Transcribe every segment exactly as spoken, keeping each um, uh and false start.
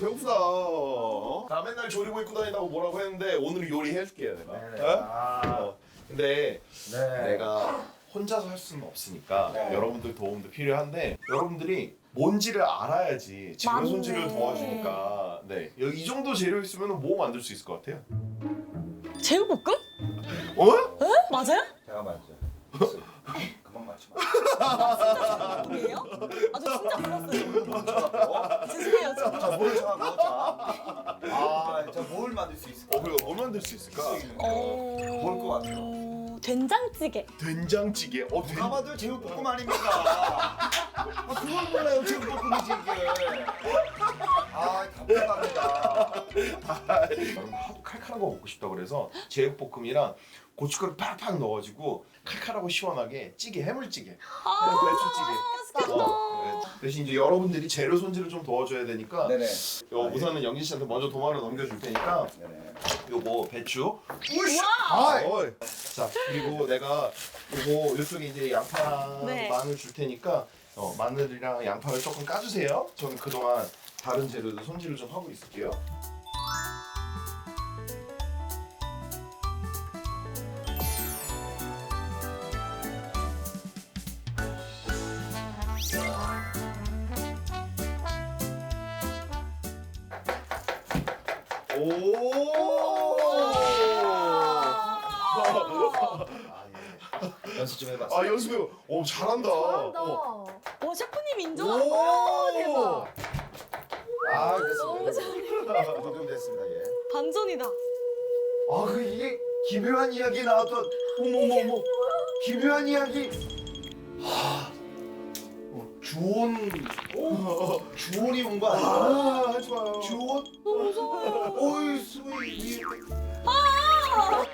배고프다. 어? 나 맨날 조리고 입고 다닌다고 뭐라고 했는데 오늘 요리해줄게요 내가. 네네. 어? 아. 어. 근데 네. 내가 혼자서 할 수는 없으니까 네. 여러분들 도움도 필요한데 여러분들이 뭔지를 알아야지 재료 맞네. 손질을 도와주니까 네 여기 이 정도 재료 있으면 뭐 만들 수 있을 것 같아요? 제육볶음? 어? 에? 맞아요? 제가 맞죠. 그만 맞지 마. 제육볶음이에요? 아, 저 진짜 몰랐어요. 어? 죄송해요, 진짜. 자, 뭘 정하고 자. 아, 자, 뭘 만들 수 있을까? 어 그래 뭐 만들 수 있을까? 어... 뭘것 같아요? 된장찌개. 된장찌개. 어 된. 누가 봐도 제육볶음 아닙니까? 아, 그걸 몰라요, 제육볶음이지 이게. 아, 답답합니다. 여러분 하도 칼칼한 거 먹고 싶다 그래서 제육볶음이랑 고춧가루 팍팍 넣어가지고 칼칼하고 시원하게 찌개 해물찌개. 아, 배추찌개. 맛있겠다. 어, 네. 대신 이제 여러분들이 재료 손질을 좀 도와줘야 되니까 네네. 요 우선은 영진 씨한테 먼저 도마를 넘겨줄 테니까 네네. 요거 배추. 와! 아, 어이. 자 그리고 내가 요거 요쪽에 이제 양파랑 네. 마늘 줄 테니까 어, 마늘이랑 양파를 조금 까주세요. 저는 그동안 다른 재료도 손질을 좀 하고 있을게요. 오! 연습 좀 해봤어. 아 연습해요. 오 잘한다. 어. 와, 셰프님 인정? 오 대박. 아, 됐습니다. 너무 잘해. 녹음 됐습니다, 예. 반전이다. 아, 그 이게 기묘한 이야기 나왔던 어머머머 기묘한 이야기. 주온. 주원이 온 거 아니야? 아 하지 마요. 주원? 너무 무서워. 어이 스윗. 아!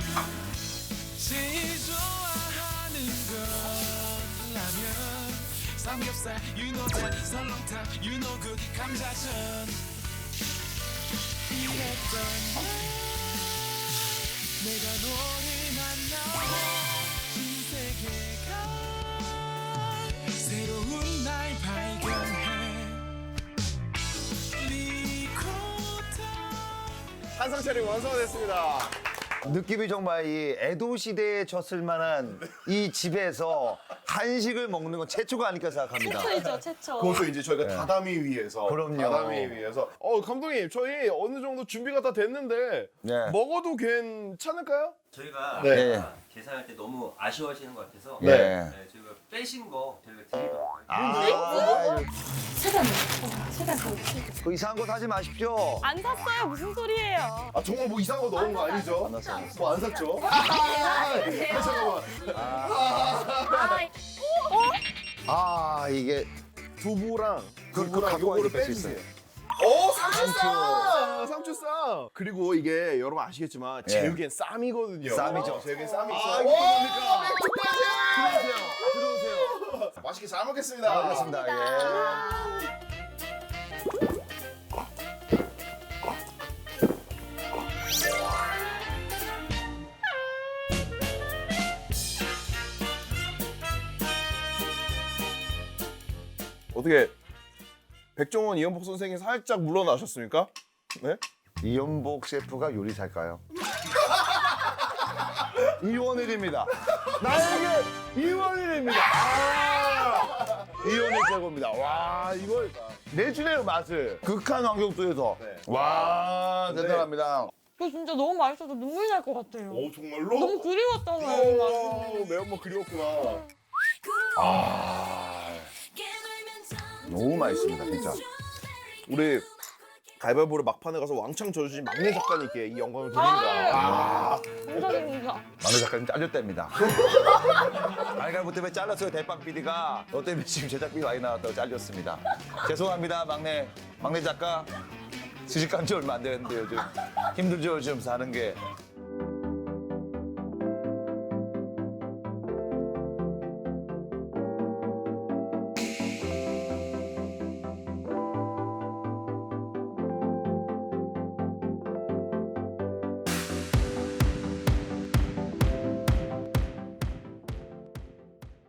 제일 좋아하는 건 라면 삼겹살 윤호전 설렁탕 윤호국 감자전 이랬던 내가 너를 만나 신세계가 새로운 날 발견해 리코타 한상 차림 완성이 됐습니다. 느낌이 정말 이 에도 시대에 졌을 만한 이 집에서 한식을 먹는 건 최초가 아닐까 생각합니다. 최초이죠, 최초. 그것도 이제 저희가 네. 다다미 위해서. 그럼요. 다다미 위해서. 어 감독님 저희 어느 정도 준비가 다 됐는데 네. 먹어도 괜찮을까요? 저희가 네. 아까 계산할 때 너무 아쉬워하시는 것 같아서 네. 네, 저희가 빼신 거 저희가 드리도록 할게요. 아, 최대한 먹어. 최대한 먹어. 그 이상한 거 사지 마십시오. 안 샀어요. 무슨 소리예요? 아 정말 뭐 이상한 거 넣은 거 아니죠? 안 샀어요. 뭐 안 샀죠? 아, 아, 잠깐만. 아, 이게 두부랑 그- 두부랑 갖고 요거를 와야 뺄수 빼주세요. 오 상추쌈! 상추쌈! 그리고 이게 여러분 아시겠지만 예. 제육엔 쌈이거든요. 쌈이죠. 제육엔 쌈이 아, 있어요. 이거 뭡니까? 맥주 빠지! 들어오세요. 들어오세요. 맛있게 잘 먹겠습니다. 알겠습니다. 예. 어떻게 백종원 이연복 선생님 살짝 물러나셨습니까? 네? 이연복 셰프가 요리사일까요? 이원일입니다. 나에게 이원일입니다. 아! 이원일 최고입니다. 와, 이걸 내주네요, 맛을. 극한 환경 속에서. 네. 와, 네. 대단합니다. 이거 진짜 너무 맛있어서 눈물 날 것 같아요. 오 정말로? 너무 그리웠잖아요, 이 맛이. 오, 매운맛 그리웠구나. 아, 너무 맛있습니다, 진짜. 우리 가위바위보를 막판에 가서 왕창 져주신 막내 작가님께 이 영광을 드립니다. 아, 감사합니다. 막내 작가님 잘렸답니다. 가위바위보 때문에 잘랐어요, 대빵 피디가. 너 때문에 지금 제작비 많이 나왔다고 잘렸습니다. 죄송합니다, 막내, 막내 작가. 시집간 지 얼마 안 되는데 요즘 힘들죠, 요즘 사는 게.